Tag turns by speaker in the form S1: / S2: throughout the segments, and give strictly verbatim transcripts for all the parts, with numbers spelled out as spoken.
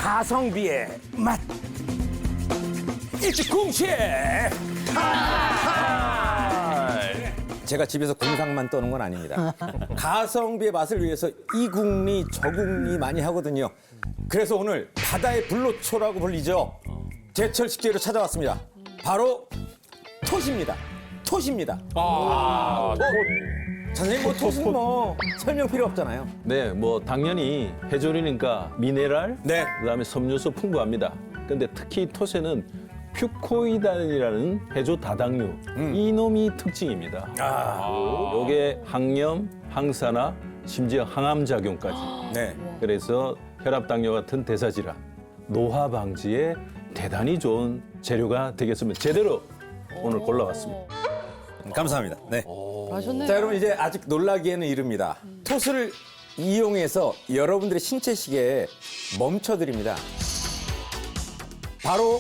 S1: 가성비의 맛. 일찍궁셰. 제가 집에서 공상만 떠는 건 아닙니다. 가성비의 맛을 위해서 이궁리 저궁리 많이 하거든요. 그래서 오늘 바다의 불로초라고 불리죠. 제철 식재료 찾아왔습니다. 바로 톳입니다. 톳입니다.
S2: 아,
S1: 뭐, 선생님 뭐 톳은 뭐 설명 필요 없잖아요.
S2: 네, 뭐 당연히 해조류니까 미네랄,
S1: 네.
S2: 그다음에 섬유소 풍부합니다. 근데 특히 톳에는 퓨코이단이라는 해조 다당류,
S1: 음.
S2: 이놈이 특징입니다.
S1: 아,
S2: 요게 항염, 항산화, 심지어 항암 작용까지.
S1: 네.
S2: 그래서 혈압 당뇨 같은 대사 질환, 노화 방지에 대단히 좋은 재료가 되겠습니다. 제대로 오늘 골라왔습니다.
S1: 감사합니다. 네.
S3: 하셨네요.
S1: 자, 여러분 이제 아직 놀라기에는 이릅니다. 톳을 이용해서 여러분들의 신체 시계에 멈춰드립니다. 바로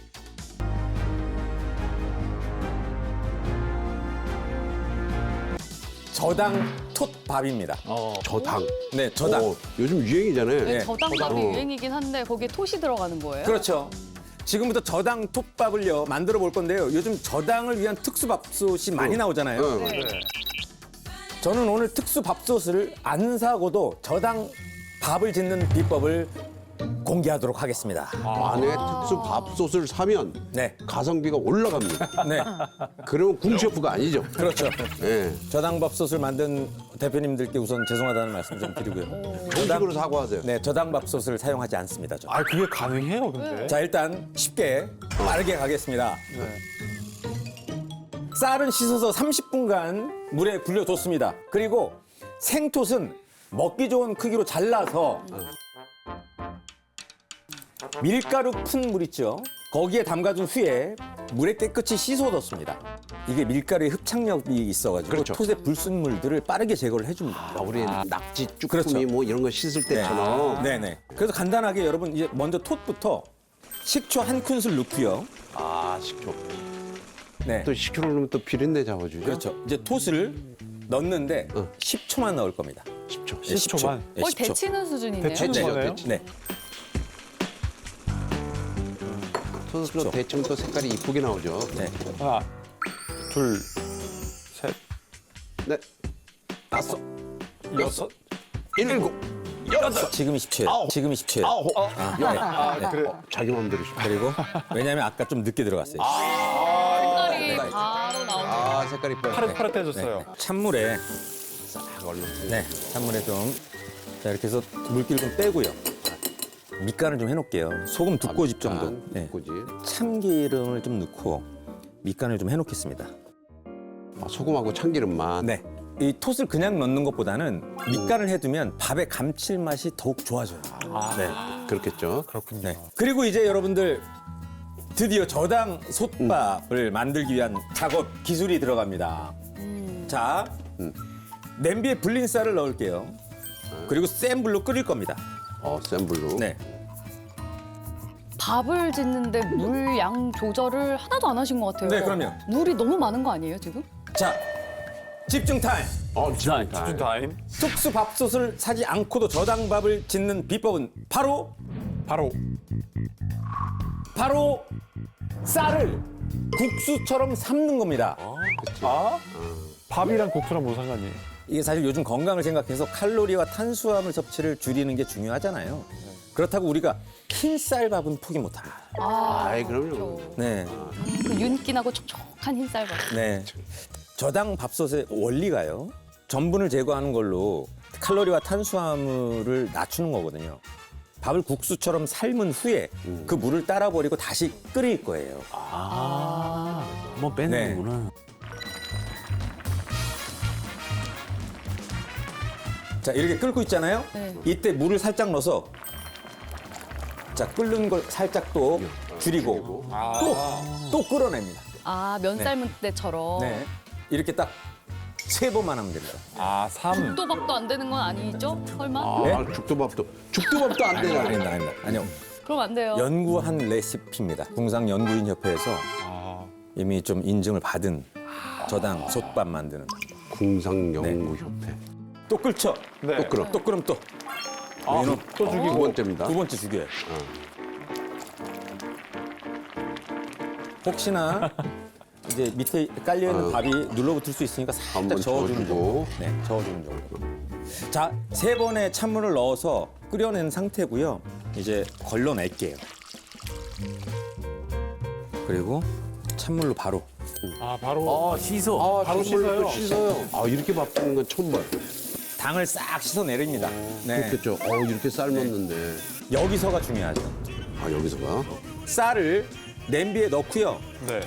S1: 저당 톳밥입니다.
S4: 저당.
S1: 네, 저당.
S4: 어, 요즘 유행이잖아요.
S3: 네,
S1: 네.
S3: 저당밥이 유행이긴 한데 거기에 톳이 들어가는 거예요?
S1: 그렇죠. 지금부터 저당 톳밥을요 만들어 볼 건데요. 요즘 저당을 위한 특수 밥솥이 많이 나오잖아요.
S4: 어,
S3: 네.
S1: 저는 오늘 특수 밥솥을 안 사고도 저당 밥을 짓는 비법을 공개하도록 하겠습니다.
S4: 만약에 특수 밥솥을 사면
S1: 네,
S4: 가성비가 올라갑니다.
S1: 네,
S4: 그러면 궁셰프가 아니죠.
S1: 그렇죠.
S4: 예.
S1: 저당 밥솥을 만든 대표님들께 우선 죄송하다는 말씀 좀 드리고요.
S4: 정식으로 사과하세요.
S1: 네, 저당 밥솥을 사용하지 않습니다. 저.
S5: 아, 그게 가능해요, 근데?
S1: 자, 일단 쉽게 빠르게 가겠습니다. 쌀은 씻어서 삼십 분간 물에 불려뒀습니다. 그리고 생톳은 먹기 좋은 크기로 잘라서 밀가루 푼 물 있죠? 거기에 담가둔 후에 물에 깨끗이 씻어뒀습니다. 이게 밀가루의 흡착력이 있어가지고
S4: 그렇죠.
S1: 톳의 불순물들을 빠르게 제거를 해줍니다.
S4: 아, 우리 낙지, 쭈꾸미
S1: 그렇죠.
S4: 뭐 이런 거 씻을 때처럼.
S1: 네네. 그래서 간단하게 여러분 이제 먼저 톳부터 식초 한 큰술 넣고요.
S4: 아, 식초.
S1: 네.
S4: 또 식초를 넣으면 또 비린내 잡아주죠.
S1: 그렇죠. 이제 톳을 넣는데
S4: 어.
S1: 십 초만 넣을 겁니다.
S4: 십 초.
S1: 네,
S5: 십 초만?
S1: 네,
S3: 거의
S1: 십 초.
S3: 데치는 수준이네요.
S5: 데치는
S1: 네,
S5: 거네요?
S1: 네.
S4: 톳으로 대충 또 색깔이 이쁘게 나오죠.
S1: 네.
S5: 하나, 둘, 셋,
S4: 네.
S1: 다섯,
S5: 여섯,
S4: 일곱, 여덟,
S1: 지금이 십 초예요.
S4: 아홉.
S1: 지금이 십 초예요.
S4: 아홉.
S1: 아, 네.
S5: 아, 그래.
S4: 자기 마음대로 십 초.
S1: 그리고 왜냐하면 아까 좀 늦게 들어갔어요.
S3: 색깔이 바로 나오네요.
S4: 아, 색깔 이뻐요.
S5: 파릇파릇해졌어요.
S1: 찬물에
S4: 싹 얼른.
S1: 네, 찬물에 좀 자, 이렇게 해서 물기를 좀 빼고요. 밑간을 좀 해놓을게요. 소금 두 꼬집 정도. 네.
S4: 두 꼬집.
S1: 참기름을 좀 넣고 밑간을 좀 해놓겠습니다.
S4: 아, 소금하고 참기름만.
S1: 네. 이 톳을 그냥 넣는 것보다는 밑간을 해두면 밥의 감칠맛이 더욱 좋아져요. 네.
S4: 그렇겠죠.
S5: 그렇군요.
S1: 네. 그리고 이제 여러분들 드디어 저당 솥밥을 만들기 위한 작업 기술이 들어갑니다. 자,
S4: 음.
S1: 냄비에 불린 쌀을 넣을게요. 그리고 센 불로 끓일 겁니다.
S4: 어, 센 불로.
S1: 네.
S3: 밥을 짓는데 물 양 조절을 하나도 안 하신 것 같아요.
S1: 네, 그럼요.
S3: 물이 너무 많은 거 아니에요, 지금?
S1: 자, 집중 타임.
S4: 어, 진짜.
S5: 집중 타임.
S1: 특수 밥솥을 사지 않고도 저당밥을 짓는 비법은 바로
S5: 바로.
S1: 바로 쌀을 국수처럼 삶는 겁니다.
S5: 아? 밥이랑 국수랑 무슨 상관이에요?
S1: 이게 사실 요즘 건강을 생각해서 칼로리와 탄수화물 섭취를 줄이는 게 중요하잖아요. 그렇다고 우리가 흰 쌀밥은 포기 못합니다.
S3: 아,
S4: 아이, 그럼요.
S1: 네,
S3: 그 윤기나고 촉촉한 흰쌀밥.
S1: 네. 저당 밥솥의 원리가요. 전분을 제거하는 걸로 칼로리와 탄수화물을 낮추는 거거든요. 밥을 국수처럼 삶은 후에 그 물을 따라 버리고 다시 끓일 거예요.
S2: 아, 한번 빼는
S1: 네.
S2: 거구나.
S1: 자, 이렇게 끓고 있잖아요.
S3: 네.
S1: 이때 물을 살짝 넣어서 자, 끓는 걸 살짝 또 줄이고 또, 또 끓어냅니다.
S3: 아, 면 삶은 때처럼.
S1: 네. 이렇게 딱 세 번만 하면 됩니다.
S5: 아, 삼.
S3: 또밥도 안 되는 건 아니죠? 설마?
S4: 아,
S1: 네?
S4: 죽도밥도. 죽도밥도 안 되잖아요.
S1: 아닙니다, 아닙니다. 아니요.
S3: 그럼 안 돼요.
S1: 연구한 레시피입니다. 궁상연구인협회에서
S5: 아,
S1: 이미 좀 인증을 받은 저당 솥밥 만드는.
S4: 궁상연구협회.
S1: 또 끓죠?
S5: 네.
S4: 또 끓어.
S1: 또 끓으면 또.
S5: 아,
S1: 여기는
S5: 또
S4: 두
S5: 죽이고.
S4: 번째입니다.
S1: 두 번째 죽여요. 혹시나 이제 밑에 깔려 있는
S4: 어.
S1: 밥이 눌러붙을 수 있으니까
S4: 한번
S1: 살짝 저어주는
S4: 저어주고.
S1: 정도. 네, 저어주는 정도. 자, 세 번의 찬물을 넣어서 끓여낸 상태고요. 이제 걸러낼게요. 그리고 찬물로 바로.
S5: 아, 바로.
S2: 아, 씻어.
S4: 아,
S5: 바로
S4: 찬물로 또
S5: 씻어요?
S4: 씻어요. 아, 이렇게 바쁘는 건 처음 봐요.
S1: 당을 싹 씻어내립니다. 네.
S4: 그렇겠죠. 어, 이렇게 삶았는데.
S1: 여기서가 중요하죠.
S4: 아, 여기서가?
S1: 쌀을 냄비에 넣고요.
S5: 네.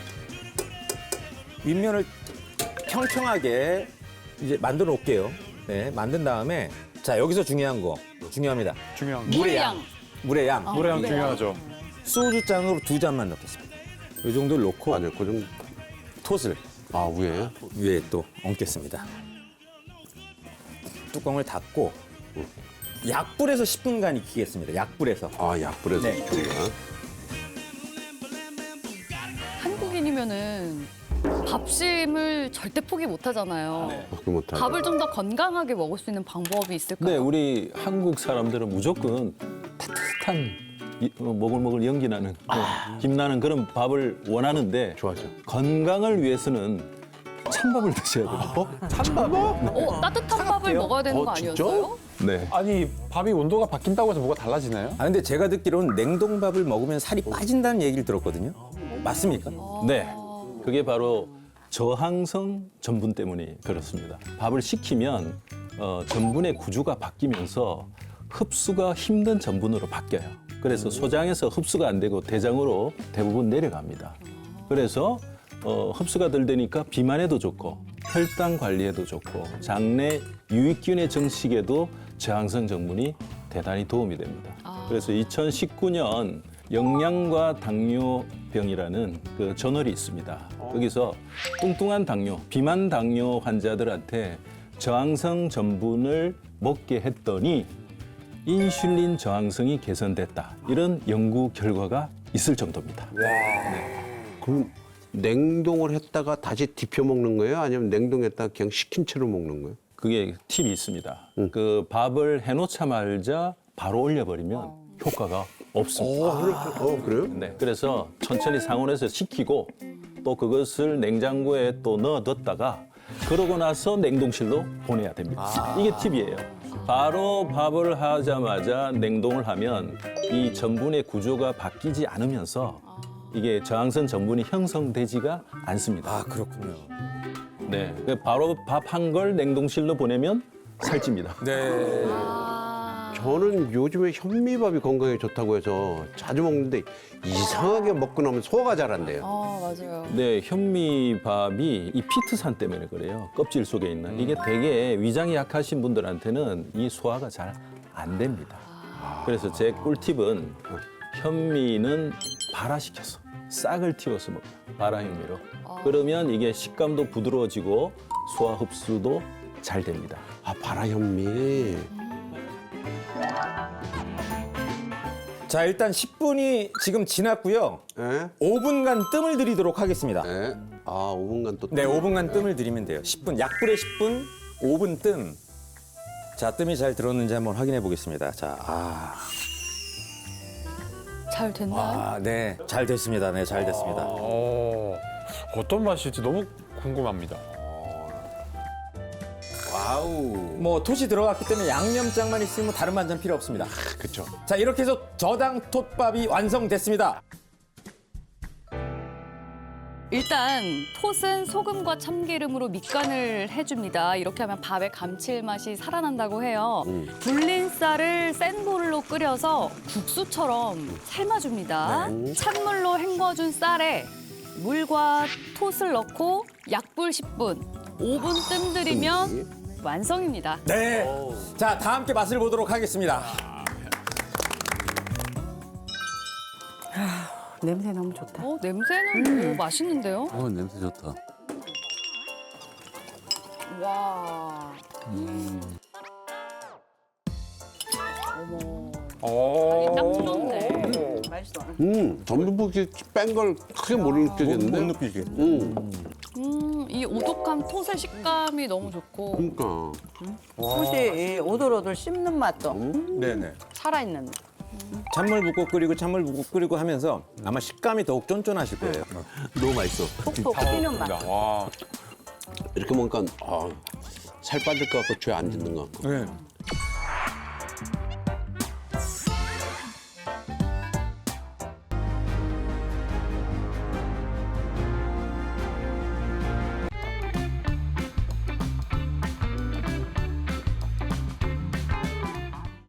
S1: 윗면을 평평하게 이제 만들어 놓을게요. 네, 만든 다음에 자 여기서 중요한 거 중요합니다.
S5: 중요한 거.
S1: 물의
S3: 양.
S1: 양, 물의 양.
S5: 물의 양
S3: 네.
S5: 중요하죠.
S1: 소주 잔으로 두 잔만 넣겠습니다. 이 정도를 넣고
S4: 맞아요. 그 정도.
S1: 톳을
S4: 아, 위에?
S1: 위에 또 얹겠습니다. 뚜껑을 닫고 약불에서 십 분간 익히겠습니다. 약불에서.
S4: 아, 약불에서
S1: 네.
S4: 네.
S3: 한국인이면은 밥심을 절대 포기 못 하잖아요.
S4: 그렇게 못하죠.
S3: 밥을 좀 더 건강하게 먹을 수 있는 방법이 있을까요?
S2: 네, 우리 한국 사람들은 무조건 따뜻한 이- 어, 모글모글 연기 나는 어, 김 나는 그런 밥을 원하는데
S4: 좋아하죠.
S2: 건강을 위해서는 찬밥을 드셔야 돼요.
S5: 찬밥?
S3: 어, 따뜻한 밥을 먹어야 되는
S4: 어,
S3: 거
S4: 진짜?
S3: 아니었어요?
S2: 네.
S5: 아니, 밥이 온도가 바뀐다고 해서 뭐가 달라지나요?
S1: 아 근데 제가 듣기로는 냉동밥을 먹으면 살이 빠진다는 얘기를 들었거든요. 맞습니까?
S2: 네. 그게 바로 저항성 전분 때문에 그렇습니다. 밥을 식히면 어, 전분의 구조가 바뀌면서 흡수가 힘든 전분으로 바뀌어요. 그래서 소장에서 흡수가 안 되고 대장으로 대부분 내려갑니다. 그래서 어, 흡수가 덜 되니까 비만에도 좋고 혈당 관리에도 좋고 장내 유익균의 정식에도 저항성 전분이 대단히 도움이 됩니다. 그래서 이천십구 년 영양과 당뇨병이라는 그 저널이 있습니다. 거기서 뚱뚱한 당뇨, 비만 당뇨 환자들한테 저항성 전분을 먹게 했더니 인슐린 저항성이 개선됐다. 이런 연구 결과가 있을 정도입니다.
S4: 그럼 냉동을 했다가 다시 데펴 먹는 거예요? 아니면 냉동했다가 그냥 식힌 채로 먹는 거예요?
S2: 그게 팁이 있습니다. 그 밥을 해놓자마자 바로 올려버리면 효과가 없습니다.
S4: 어, 그렇죠. 어, 그래요?
S2: 네, 그래서 천천히 상온에서 식히고 또 그것을 냉장고에 또 넣어뒀다가 그러고 나서 냉동실로 보내야 됩니다. 이게 팁이에요. 바로 밥을 하자마자 냉동을 하면 이 전분의 구조가 바뀌지 않으면서 이게 저항성 전분이 형성되지가 않습니다.
S1: 아 그렇군요.
S2: 네, 바로 밥 한 걸 냉동실로 보내면 살찝니다.
S1: 네.
S4: 저는 요즘에 현미밥이 건강에 좋다고 해서 자주 먹는데 이상하게 먹고 나면 소화가 잘 안 돼요.
S3: 아, 맞아요.
S2: 네, 현미밥이 이 피트산 때문에 그래요. 껍질 속에 있는. 이게 되게 위장이 약하신 분들한테는 이 소화가 잘 안 됩니다. 그래서 제 꿀팁은 현미는 발화시켜서 싹을 틔워서 먹어요. 발화현미로. 그러면 이게 식감도 부드러워지고 소화 흡수도 잘 됩니다.
S4: 아, 바라현미.
S1: 자 일단 십 분이 지금 지났고요.
S4: 예?
S1: 오 분간 뜸을 들이도록 하겠습니다.
S4: 예? 아, 오 분간 또.
S1: 네, 오 분간 뜸을 들이면 돼요. 십 분, 약불에 십 분, 오 분 뜸. 자, 뜸이 잘 들었는지 한번 확인해 보겠습니다. 자, 아,
S3: 잘 됐나요?
S1: 아, 네, 잘 됐습니다. 네, 잘 됐습니다.
S5: 어, 어떤 맛일지 너무 궁금합니다.
S1: 와우. 뭐 톳이 들어갔기 때문에 양념장만 있으면 뭐 다른 반찬 필요 없습니다.
S4: 그쵸.
S1: 자, 이렇게 해서 저당 톳밥이 완성됐습니다.
S3: 일단 톳은 소금과 참기름으로 밑간을 해줍니다. 이렇게 하면 밥의 감칠맛이 살아난다고 해요. 불린 쌀을 센 불로 끓여서 국수처럼 삶아줍니다. 찬물로 헹궈준 쌀에 물과 톳을 넣고 약불 십 분, 오 분 뜸 들이면 완성입니다.
S1: 네. 자, 다 함께 맛을 보도록 하겠습니다.
S6: 냄새 너무 좋다.
S3: 어, 냄새는 오, 맛있는데요?
S7: 어, 냄새 좋다.
S3: 와. 어머.
S5: 어.
S3: 딱 좋네.
S4: 음, 전부 뺀걸 크게 못 느끼겠는데?
S1: 못 느끼게.
S4: 음.
S3: 음, 이 오독한 톳의 식감이 너무 좋고
S4: 그러니까.
S6: 솥이 오돌오돌 씹는 맛도
S1: 네네.
S6: 살아있는.
S1: 찬물 붓고 끓이고 찬물 붓고 끓이고 하면서 아마 식감이 더욱 쫀쫀하실 거예요.
S2: 너무 맛있어.
S6: 톡톡 튀는 맛.
S5: 와.
S4: 이렇게 먹으니까 아, 살 빠질 것 같고 죄 안 짓는 것 같고.
S1: 네.